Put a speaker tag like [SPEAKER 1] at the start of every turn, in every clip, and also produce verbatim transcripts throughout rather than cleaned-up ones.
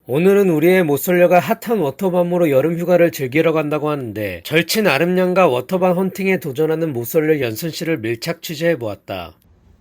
[SPEAKER 1] 오늘은 우리의 못솔려가 핫한 워터밤으로 여름 휴가를 즐기러 간다고 하는데 절친 아름양과 워터밤 헌팅에 도전하는 못솔려 연순씨를 밀착 취재해보았다.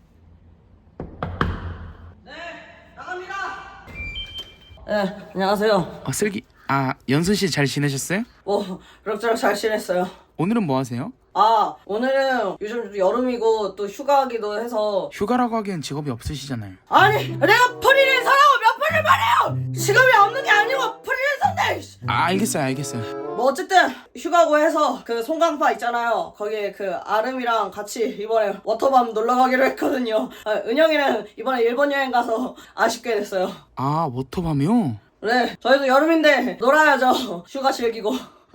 [SPEAKER 2] 네, 나갑니다. 네, 안녕하세요.
[SPEAKER 3] 어, 슬기, 아, 연순 씨 잘 지내셨어요?
[SPEAKER 2] 뭐 그럭저럭 잘 지냈어요.
[SPEAKER 3] 오늘은 뭐 하세요?
[SPEAKER 2] 아, 오늘은 요즘 여름이고 또 휴가기도 해서.
[SPEAKER 3] 휴가라고 하기엔 직업이 없으시잖아요.
[SPEAKER 2] 아니, 내가 프리랜서라고 몇 번을 말해요. 직업이 없는 게 아니고 프리랜서인데.
[SPEAKER 3] 아, 알겠어요, 알겠어요.
[SPEAKER 2] 뭐 어쨌든 휴가고 해서 그 송강파 있잖아요. 거기에 그 아름이랑 같이 이번에 워터밤 놀러 가기로 했거든요. 아, 은영이는 이번에 일본 여행 가서 아쉽게 됐어요.
[SPEAKER 3] 아, 워터밤이요?
[SPEAKER 2] 네, 저희도 여름인데 놀아야죠. 휴가 즐기고.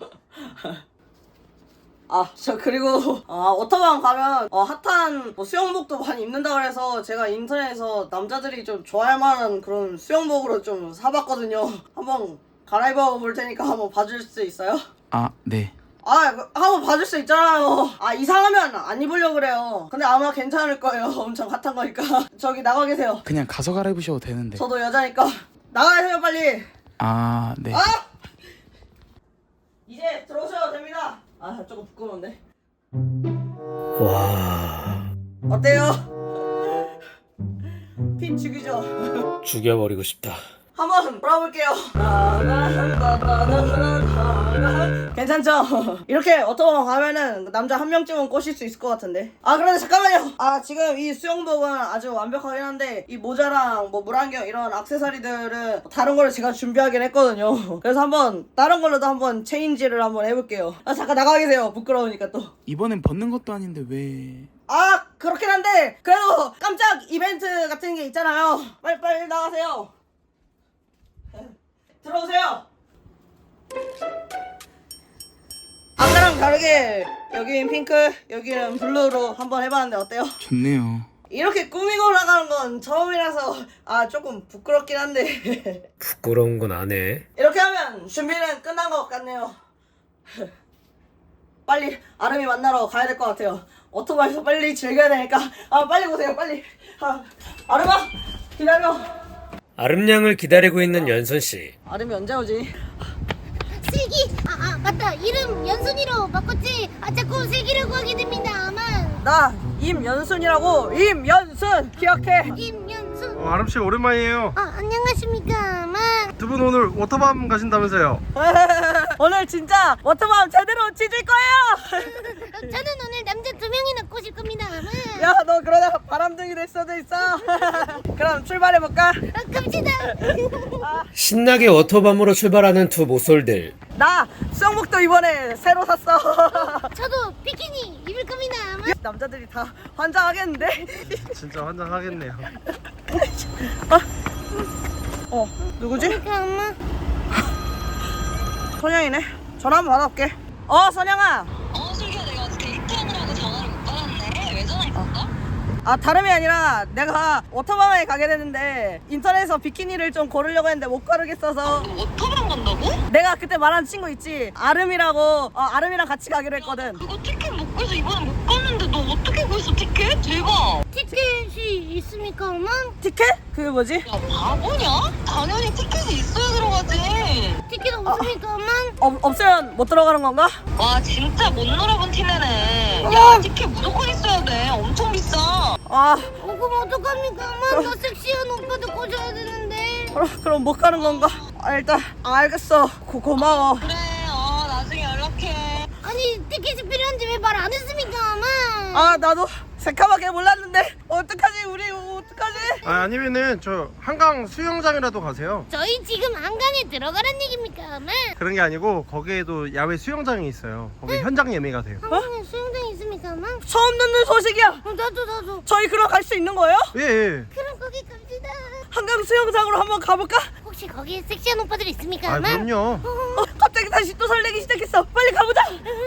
[SPEAKER 2] 아, 저 그리고 아, 워터밤 가면 어, 핫한 뭐 수영복도 많이 입는다 그래서 제가 인터넷에서 남자들이 좀 좋아할 만한 그런 수영복으로 좀 사봤거든요. 한번 갈아입어 볼 테니까 한번 봐줄 수 있어요?
[SPEAKER 3] 아, 네.
[SPEAKER 2] 아, 그, 한번 봐줄 수 있잖아요. 아, 이상하면 안 입으려고 그래요. 근데 아마 괜찮을 거예요. 엄청 핫한 거니까. 저기 나가 계세요.
[SPEAKER 3] 그냥 가서 갈아입으셔도 되는데.
[SPEAKER 2] 저도 여자니까 나가세요 빨리.
[SPEAKER 3] 아, 네.
[SPEAKER 2] 아! 이제 들어오셔도 됩니다. 아, 조금 부끄러운데.
[SPEAKER 1] 와...
[SPEAKER 2] 어때요? 핀 죽이죠?
[SPEAKER 1] 죽여버리고 싶다.
[SPEAKER 2] 한번 돌아볼게요. 괜찮죠? 이렇게 워터밤 가면은 남자 한 명쯤은 꼬실 수 있을 것 같은데. 아, 그런데 잠깐만요. 아, 지금 이 수영복은 아주 완벽하긴 한데 이 모자랑 뭐 물안경 이런 액세서리들은 다른 걸로 제가 준비하긴 했거든요. 그래서 한번 다른 걸로도 한번 체인지를 한번 해볼게요. 아, 잠깐 나가 계세요. 부끄러우니까 또.
[SPEAKER 3] 이번엔 벗는 것도 아닌데 왜...
[SPEAKER 2] 아, 그렇긴 한데 그래도 깜짝 이벤트 같은 게 있잖아요. 빨리 빨리 나가세요. 들어오세요. 아까랑 다르게 여긴 핑크, 여기는 블루로 한번 해봤는데 어때요?
[SPEAKER 3] 좋네요.
[SPEAKER 2] 이렇게 꾸미고 나가는 건 처음이라서 아 조금 부끄럽긴 한데
[SPEAKER 1] 부끄러운 건 안 해.
[SPEAKER 2] 이렇게 하면 준비는 끝난 것 같네요. 빨리 아름이 만나러 가야 될 것 같아요. 오토바이에서 빨리 즐겨야 되니까 아 빨리 오세요 빨리. 아, 아름아 기다려.
[SPEAKER 1] 아름양을 기다리고 있는 연순씨.
[SPEAKER 2] 아름이 언제 오지?
[SPEAKER 4] 슬기! 아, 아 맞다 이름 연순이로 바꿨지? 아 자꾸 슬기라고 하게 됩니다 아만
[SPEAKER 2] 나 임연순이라고. 임연순 기억해.
[SPEAKER 4] 김연순
[SPEAKER 5] 어, 아름씨 오랜만이에요.
[SPEAKER 4] 아 안녕하십니까 아만
[SPEAKER 5] 두 분 오늘 워터밤 가신다면서요?
[SPEAKER 2] 오늘 진짜 워터밤 제대로 찢을 거예요.
[SPEAKER 4] 저는 오늘 남자 두 명이나 꼬실 겁니다 아만
[SPEAKER 2] 야 너 그러다 바람둥이 될 수도 있어. 그럼 출발해볼까?
[SPEAKER 4] 아, 갑시다
[SPEAKER 1] 신나게 워터밤으로 출발하는 두 모솔들.
[SPEAKER 2] 나 수영복도 이번에 새로 샀어.
[SPEAKER 4] 저도 비키니 입을 겁니다 아만
[SPEAKER 2] 남자들이 다 환장하겠는데?
[SPEAKER 5] 진짜 환장하겠네요.
[SPEAKER 2] 어 누구지?
[SPEAKER 4] 그러니까 엄마
[SPEAKER 2] 선영이네. 전화 한번 받아볼게. 어 선영아.
[SPEAKER 6] 어, 슬기야, 내가 어떻게 리턴을 전화를 못 받았네. 왜 전화했었어?
[SPEAKER 2] 아 다름이 아니라 내가 워터밤에 가게 됐는데 인터넷에서 비키니를 좀 고르려고 했는데 못 고르겠어서
[SPEAKER 6] 너 워터밤 간다고?
[SPEAKER 2] 내가 그때 말한 친구 있지? 아름이라고. 어 아름이랑 같이 가기로 했거든.
[SPEAKER 6] 그거 티켓 못 구해서 이번에 못 갔는데 너 어떻게 구했어, 티켓? 대박.
[SPEAKER 4] 티켓이 있습니까 엄마?
[SPEAKER 2] 티켓? 그게 뭐지?
[SPEAKER 6] 야, 바보냐? 당연히 티켓이 있어야 들어가지.
[SPEAKER 4] 티켓 없습니까 엄마?
[SPEAKER 2] 없, 없으면 못 들어가는 건가?
[SPEAKER 6] 와, 진짜 못 놀아본 티내네. 야, 티켓 무조건 있어야 돼. 엄청 비싸.
[SPEAKER 2] 아
[SPEAKER 4] 어 그럼 어떡합니까 엄마? 나 섹시한 오빠도 꼬셔야 되는데
[SPEAKER 2] 그럼, 그럼 못 가는 건가? 아, 일단 알겠어. 고, 고마워.
[SPEAKER 6] 그래, 어, 나중에 연락해.
[SPEAKER 4] 아니 티켓이 필요한지 왜 말 안 했습니까 엄마?
[SPEAKER 2] 아 나도 새카맣게 몰랐는데 어떡하지 우리 어떡하지?
[SPEAKER 5] 아, 아니면은 저 한강 수영장이라도 가세요.
[SPEAKER 4] 저희 지금 한강에 들어가란 얘기입니까 엄마?
[SPEAKER 5] 그런 게 아니고 거기에도 야외 수영장이 있어요. 거기 현장 예매가 돼요.
[SPEAKER 4] 한강에 수영장 있습니까 엄마?
[SPEAKER 2] 처음 듣는 소식이야.
[SPEAKER 4] 어, 나도 나도
[SPEAKER 2] 저희 그럼 갈 수 있는 거예요?
[SPEAKER 5] 예, 예.
[SPEAKER 4] 그럼 거기 갑시다.
[SPEAKER 2] 한강 수영장으로 한번 가볼까?
[SPEAKER 4] 혹시 거기에 섹시한 오빠들 있습니까
[SPEAKER 5] 아,
[SPEAKER 4] 엄마?
[SPEAKER 5] 그럼요.
[SPEAKER 2] 어, 갑자기 다시 또 설레기 시작했어. 빨리 가보자.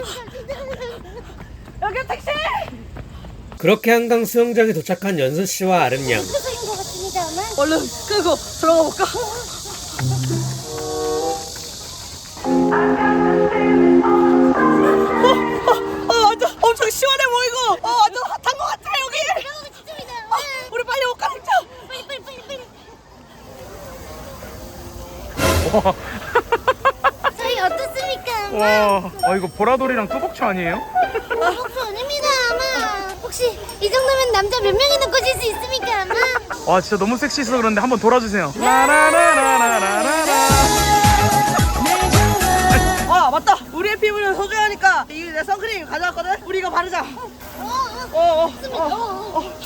[SPEAKER 2] 여기 택시.
[SPEAKER 1] 그렇게 한강 수영장에 도착한 연순씨와 아름양.
[SPEAKER 4] 그거인 것 같습니다 엄마.
[SPEAKER 2] 얼른 끄고 들어가 볼까? 어, 어, 어, 완전 엄청 시원해 보이고, 어, 완전 핫한 것 같아 여기.
[SPEAKER 4] 들어가고 싶습니다
[SPEAKER 2] 어,
[SPEAKER 4] 엄마.
[SPEAKER 2] 우리 빨리 옷 갈아입자.
[SPEAKER 4] 빨리 빨리 빨리 빨리. 저희 어떻습니까? 아마?
[SPEAKER 3] 와, 아 이거 보라돌이랑 뚜벅초 아니에요?
[SPEAKER 4] 목표 아닙니다 아마. 혹시 이 정도면 남자 몇 명이나 꼬실 수 있습니까 아마?
[SPEAKER 3] 와 진짜 너무 섹시해서 그런데 한번 돌아주세요. 라라라라라라라.
[SPEAKER 2] 아 맞다. 우리의 피부는 소중하니까 이 내 선크림 가져왔거든. 우리 이거 바르자. 어어 어, 어, 어.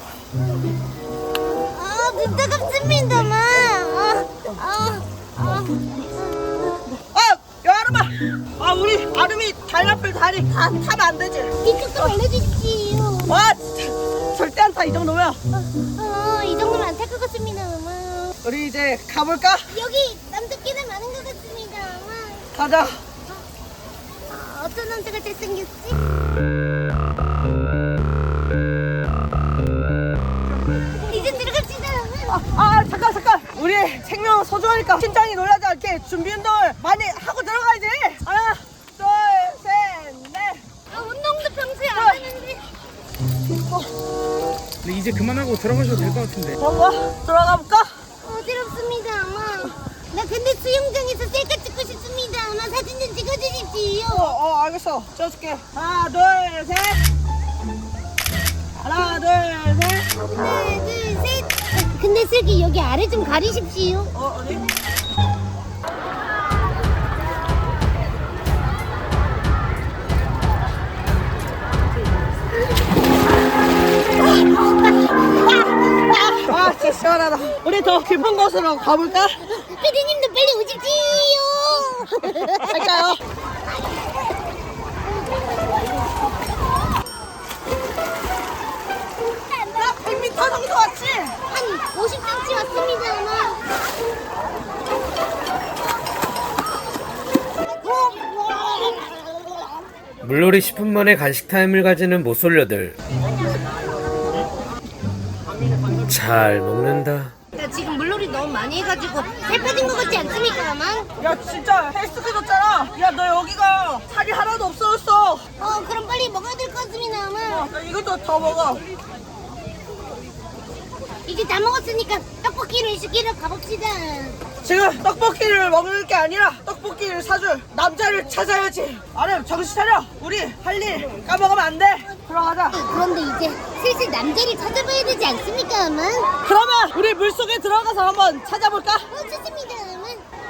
[SPEAKER 4] 아 진짜 깝습니다 아마. 아, 아, 아.
[SPEAKER 2] 아 여름아. 아 우리 아름이 달라풀 다리 다 타면 안 되지.
[SPEAKER 4] 이쪽 좀 알려주십시오.
[SPEAKER 2] 와 진짜 절대 안 타 이 정도면.
[SPEAKER 4] 어, 이 정도면 안 탈 것 같습니다 아마.
[SPEAKER 2] 우리 이제 가볼까?
[SPEAKER 4] 여기 남자끼리 많은 것 같습니다 아마.
[SPEAKER 2] 가자.
[SPEAKER 4] 아, 어떤 남자가 잘생겼지? 이제 들어갑시다.
[SPEAKER 2] 아, 아 잠깐 잠깐. 우리 생명 소중하니까 심장이 놀라지 않게 준비 운동을 많이 하고 들어가야지. 하나 둘셋넷.
[SPEAKER 4] 아, 운동도 평소에 안 하는데.
[SPEAKER 3] 근데 이제 그만하고 들어가셔도 될 것 같은데.
[SPEAKER 2] 뭔가 들어가 볼까?
[SPEAKER 4] 어지럽습니다 아마. 나 근데 수영장에서 셀카 찍고 싶습니다 아마. 사진 좀 찍어주십시오.
[SPEAKER 2] 어, 어 알겠어. 찍어줄게. 하나 둘 셋. 하나 둘 셋.
[SPEAKER 4] 하나 둘 셋. 근데 슬기 여기 아래 좀 가리십시오.
[SPEAKER 2] 어 어디? 아 진짜 시원하다. 우리 더 깊은 곳으로 가볼까?
[SPEAKER 4] 피디님도 빨리 오십시오.
[SPEAKER 2] 갈까요? 나 백 미터 정도 왔지?
[SPEAKER 4] 한 오십 센티미터 왔습니다 아마.
[SPEAKER 1] 물놀이 십 분 만에 간식 타임을 가지는 모쏠녀들. 잘 먹는다.
[SPEAKER 4] 나 지금 물놀이 너무 많이 해가지고 살 빠진 것 같지 않습니까 아마?
[SPEAKER 2] 야 진짜 헬스케 줬잖아. 야 너 여기가 살이 하나도 없어졌어.
[SPEAKER 4] 어 그럼 빨리 먹어야 될 것 같습니다 아마.
[SPEAKER 2] 야, 이것도 더 먹어.
[SPEAKER 4] 이제 다 먹었으니까 떡볶이를 시키러 가봅시다.
[SPEAKER 2] 지금 떡볶이를 먹을 게 아니라 떡볶이를 사줄 남자를 찾아야지. 아름 정신 차려. 우리 할 일 까먹으면 안 돼. 들어가자.
[SPEAKER 4] 그런데 이제 슬슬 남자를 찾아봐야 되지 않습니까 아마?
[SPEAKER 2] 그러면 우리 물속에 들어가서 한번 찾아볼까?
[SPEAKER 4] 어 좋습니다 아마.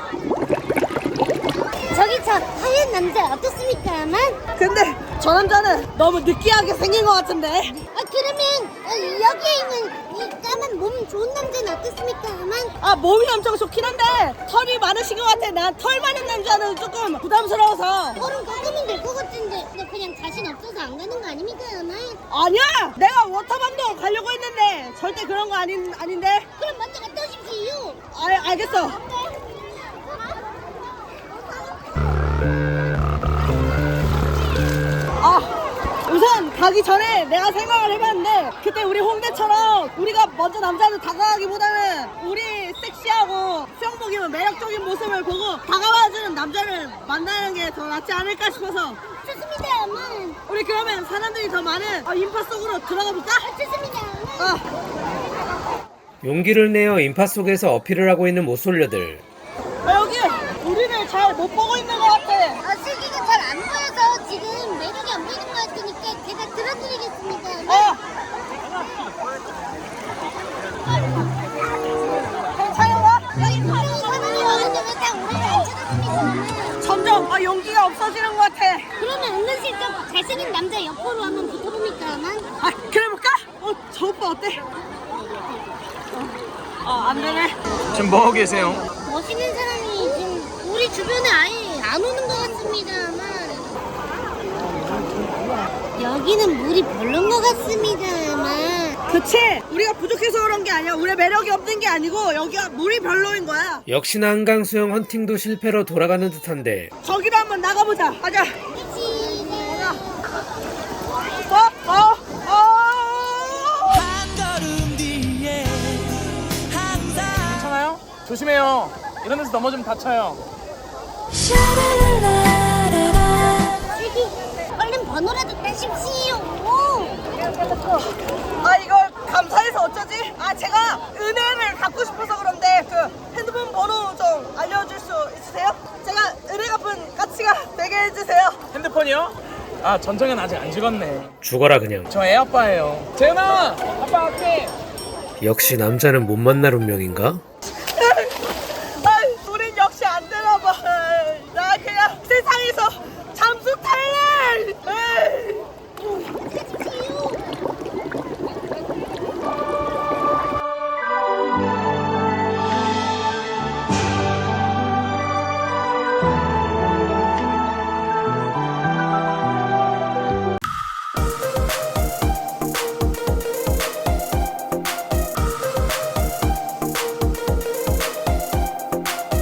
[SPEAKER 4] 저기 저 하얀 남자 어떻습니까 아마?
[SPEAKER 2] 근데 저 남자는 너무 느끼하게 생긴 것 같은데.
[SPEAKER 4] 아 그러면 어, 여기에 있는 이 까만 몸 좋은 남자는 어떻습니까 아마?
[SPEAKER 2] 아 몸이 엄청 좋긴 한데 털이 많으신 것 같아. 난 털 많은 남자는 조금 부담스러워서.
[SPEAKER 4] 털은 깎으면 될 것 같은데 너 그냥 자신 없어서 안 가는 거 아닙니까 아마?
[SPEAKER 2] 아니야. 내가 워터밤도 가려고 했는데 절대 그런 거 아닌 아닌데.
[SPEAKER 4] 그럼 먼저 갔다 오십시오.
[SPEAKER 2] 아 알겠어. 아 우선 가기 전에 내가 생각을 해봤는데 그때 우리 홍대처럼 우리가 먼저 남자를 다가가기보다는 우리 섹시하고 수영복 입은 매력적인 모습을 보고 다가와주는 남자를 만나는 게 더 낫지 않을까 싶어서.
[SPEAKER 4] 좋습니다 아마.
[SPEAKER 2] 우리 그러면 사람들이 더 많은 어, 인파 속으로 들어가 볼까?
[SPEAKER 4] 좋습니다 아마.
[SPEAKER 2] 어.
[SPEAKER 1] 용기를 내어 인파 속에서 어필을 하고 있는 모쏠녀들.
[SPEAKER 2] 아, 여기 우리를 잘 못 보고 있는 것 같아.
[SPEAKER 4] 아 슬기가 잘 안 보여서 지금 매력이 안 보이는 것 같으니까 제가 들어드리겠습니다 아마.
[SPEAKER 2] 어. 괜찮아?
[SPEAKER 4] 여기 분명히 사람이 많은데 왜 다 우리를 안 쳐다봅니까 아마?
[SPEAKER 2] 점점 아, 용기가 없어지는 것 같아.
[SPEAKER 4] 그러면 은근슬쩍 잘생긴 남자 옆으로 한번 붙어봅니까 아마?
[SPEAKER 2] 아, 그래 볼까? 어, 저 오빠 어때? 어, 안 되네.
[SPEAKER 3] 지금 뭐 하고 계세요?
[SPEAKER 4] 멋있는 사람이 지금 우리 주변에 아예 안 오는 것 같습니다 아마. 여기는 물이 별론 것 같습니다 아마.
[SPEAKER 2] 그치? 우리가 부족해서 그런 게 아니야. 우리 매력이 없는 게 아니고 여기가 물이 별로인 거야.
[SPEAKER 1] 역시나 한강 수영 헌팅도 실패로 돌아가는 듯한데.
[SPEAKER 2] 저기로 한번 나가보자. 가자.
[SPEAKER 4] 그치.
[SPEAKER 2] 어? 어? 어?
[SPEAKER 3] 괜찮아요? 조심해요. 이런 데서 넘어지면 다쳐요.
[SPEAKER 4] 슬기 얼른 번호라도 따십시오.
[SPEAKER 2] 아 이걸 감사해서 어쩌지? 아 제가 은혜를 갖고 싶어서 그런데 그 핸드폰 번호 좀 알려줄 수
[SPEAKER 3] 전청현이요? 아 전청현 아직 안 죽었네.
[SPEAKER 1] 죽어라 그냥.
[SPEAKER 3] 저 애 아빠예요. 재현아 아빠 갈게.
[SPEAKER 1] 역시 남자는 못 만날 운명인가?